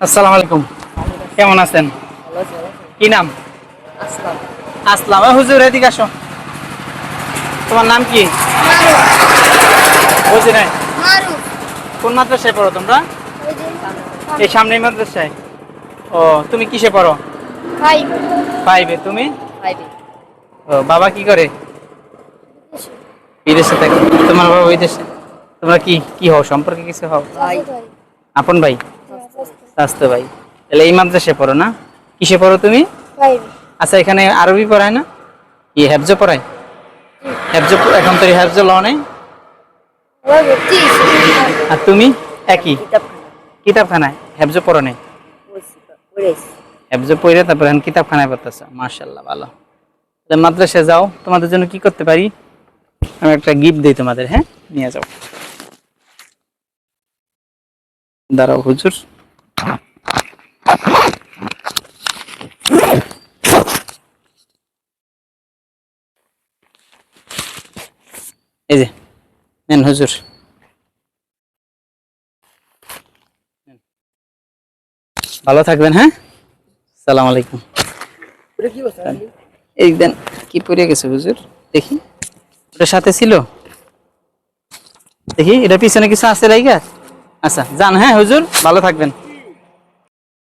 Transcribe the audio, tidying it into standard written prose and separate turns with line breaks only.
আসসালামু আলাইকুম। কেমন আছেন? কি নাম?
আসলাম।
আসলাম। হুজুর এদিকে আসো। তোমার নাম কি? বুঝি নাই। কোন মাদ্রাসায় পড়ো তোমরা? এই সামনে মাদ্রাসায়। ও, তুমি কিসে পড়ো? ফাইভে। তুমি? ও, বাবা কি করে? বিদেশে থাকে। তোমার বাবা ওই দেশে। তোমরা কি কি হও, সম্পর্কে কিছু হও? আপন ভাই? স্বাস্থ্য ভাই। তাহলে এই মাদ্রাসায় পড়ো না? কিসে পড়ো তুমি? আচ্ছা, এখানে আরবি পড়ায় না? কি হেফজ পড়ায়? হেফজ এখন তো হেফজ ল নেই। আর তুমি? একই কিতাবখানায় হেফজ পড়ো নেই? হেফজ পড়ে তারপর এখন কিতাবখানায় পড়তেছো। মাশাআল্লাহ, ভালো। তাহলে মাদ্রাসায় যাও, তোমাদের জন্য কি করতে পারি? আমি একটা গিফট দিই তোমাদের। হ্যাঁ, নিয়ে যাও। দাঁড়াও হুজুর। এই যে নেন হুজুর। ভালো থাকবেন। হ্যাঁ, সালাম আলাইকুম। এই দেন। কি পড়ে গেছে হুজুর? দেখি। ওটার সাথে ছিল? দেখি এটা পিছনে কিছু আছে লাইগা। আচ্ছা যান। হ্যাঁ হুজুর, ভালো থাকবেন।